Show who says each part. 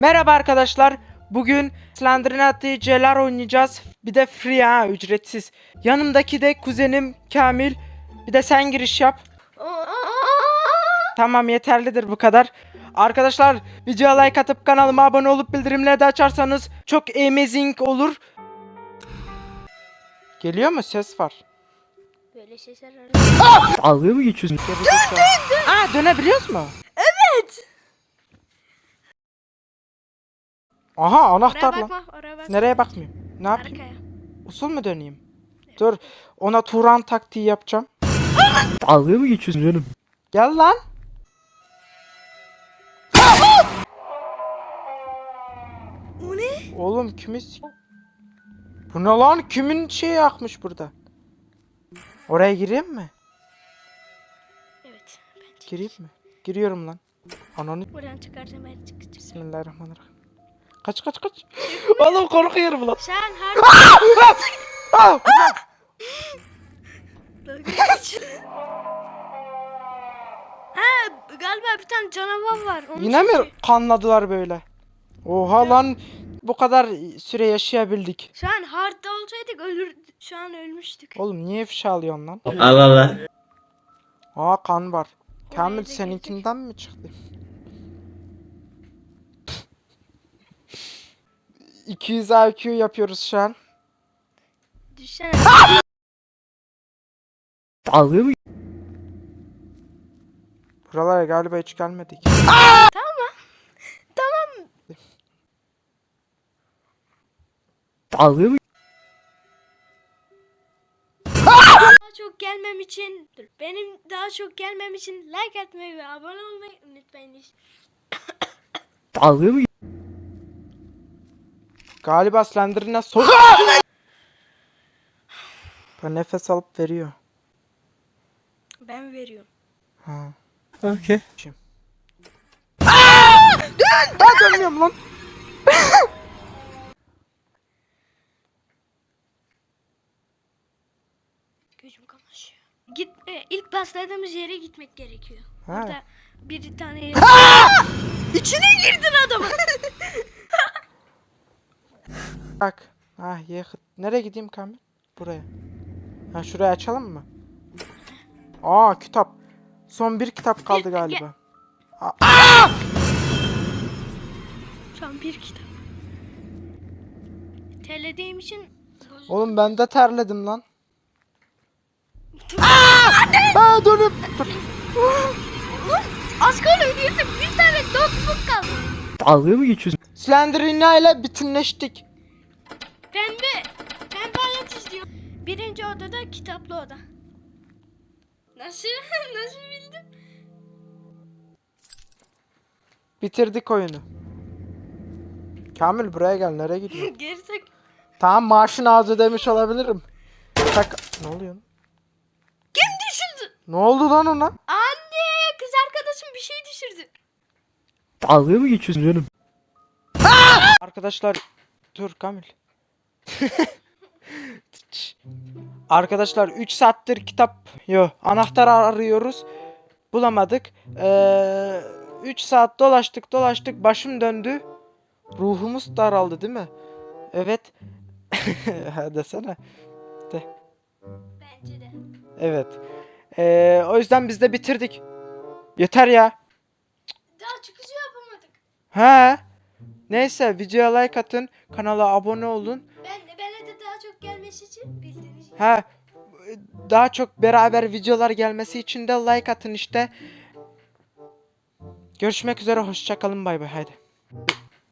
Speaker 1: Merhaba arkadaşlar. Bugün Slendrinati Celar oynayacağız. Bir de free ha, ücretsiz. Yanımdaki de kuzenim Kamil. Bir de sen giriş yap. Tamam, yeterlidir bu kadar. Arkadaşlar, videoya like atıp kanalıma abone olup bildirimleri de açarsanız çok amazing olur. Geliyor mu? Ses var.
Speaker 2: Böyle sesler
Speaker 3: Dalga mı geçiyorsun?
Speaker 1: Aa, dönebiliyoruz mu?
Speaker 2: Evet.
Speaker 1: Aha,
Speaker 2: Oraya
Speaker 1: anahtar lan.
Speaker 2: bakma, oraya bakma.
Speaker 1: Nereye bakmayayım? Ne yapayım?
Speaker 2: Arkaya.
Speaker 1: Usul mü döneyim? Dur, ona Turan taktiği yapacağım.
Speaker 3: Dalga mı geçiyorsun canım?
Speaker 1: Gel lan.
Speaker 2: O ne?
Speaker 1: Oğlum kimiz? Bu ne lan? Kimin şeyi yakmış burada? Oraya gireyim mi?
Speaker 2: Evet. Bence.
Speaker 1: Gireyim mi? Giriyorum lan. Ananı.
Speaker 2: Buradan çıkaracağım, ben çıkacağım.
Speaker 1: Bismillahirrahmanirrahim. Kaç. Oğlum korkuyorum lan.
Speaker 2: Sen her...
Speaker 1: Ah!
Speaker 2: Ha, galiba bir tane canavar var. Onu
Speaker 1: Yine mi
Speaker 2: çekecek.
Speaker 1: kanladılar böyle? Oha lan, bu kadar süre yaşayabildik.
Speaker 2: Şu an hard'da olsaydık şu an ölmüştük.
Speaker 1: Oğlum niye ifşa alıyorsun lan?
Speaker 3: Allah Allah.
Speaker 1: Aa, kan var. Kamil
Speaker 2: da
Speaker 1: seninkinden mi çıktı? 200 IQ yapıyoruz şu an.
Speaker 2: Düşsene.
Speaker 3: Dalga mı?
Speaker 1: Buralara galiba hiç gelmedik.
Speaker 2: Tamam.
Speaker 3: Dalga mı?
Speaker 2: Daha çok gelmem için benim daha çok gelmem için like atmayı ve abone olmayı unutmayın.
Speaker 3: Dalga mı?
Speaker 1: Galiba Slender'ine Bu nefes alıp veriyor.
Speaker 2: Ben veriyorum.
Speaker 1: Ha.
Speaker 3: Okey.
Speaker 1: Daha dönmüyorum lan.
Speaker 2: Gözüm kamaşıyor. İlk başladığımız yere gitmek gerekiyor.
Speaker 1: Ha.
Speaker 2: Orada bir tane yer... İçine girdin adamın.
Speaker 1: Bak. Ah, yakıt. Nereye gideyim Kamil? Buraya. Ha, şurayı açalım mı? Aa, kitap. Son bir kitap kaldı
Speaker 2: Gel,
Speaker 1: galiba.
Speaker 2: Şu an bir kitap. Terlediğim için...
Speaker 1: Oğlum ben de terledim lan. Aa, dur.
Speaker 2: Az kaldı ödeyecek. Bir tane notebook kaldı.
Speaker 3: Dalga mı geçiyorsun?
Speaker 1: Slenderina ile bütünleştik.
Speaker 2: Pembe hayat izliyor. Birinci odada kitaplı oda. Nasıl? Nasıl bildin?
Speaker 1: Bitirdik oyunu. Kamil buraya gel, nereye gidiyorsun?
Speaker 2: Gerizek.
Speaker 1: Tamam, maaşın ağzı demiş olabilirim. Tak. Ne oluyor?
Speaker 2: Kim düşürdü?
Speaker 1: Ne oldu lan ona?
Speaker 2: Anne, kız arkadaşım bir şey düşürdü.
Speaker 3: Dalga mı geçiyorsun canım?
Speaker 1: Arkadaşlar dur Kamil. Arkadaşlar 3 saattir anahtar arıyoruz. Bulamadık. 3 saat dolaştık başım döndü. Ruhumuz daraldı değil mi? Evet. Ha, desene.
Speaker 2: Bence de.
Speaker 1: Evet. O yüzden biz de bitirdik. Yeter ya.
Speaker 2: Daha çıkışı yapamadık.
Speaker 1: He. Neyse, videoya like atın, kanala abone olun.
Speaker 2: Bana de daha çok gelmesi için bildiğiniz gibi.
Speaker 1: Ha, daha çok beraber videolar gelmesi için de like atın işte. Görüşmek üzere, hoşça kalın, bay bay, haydi.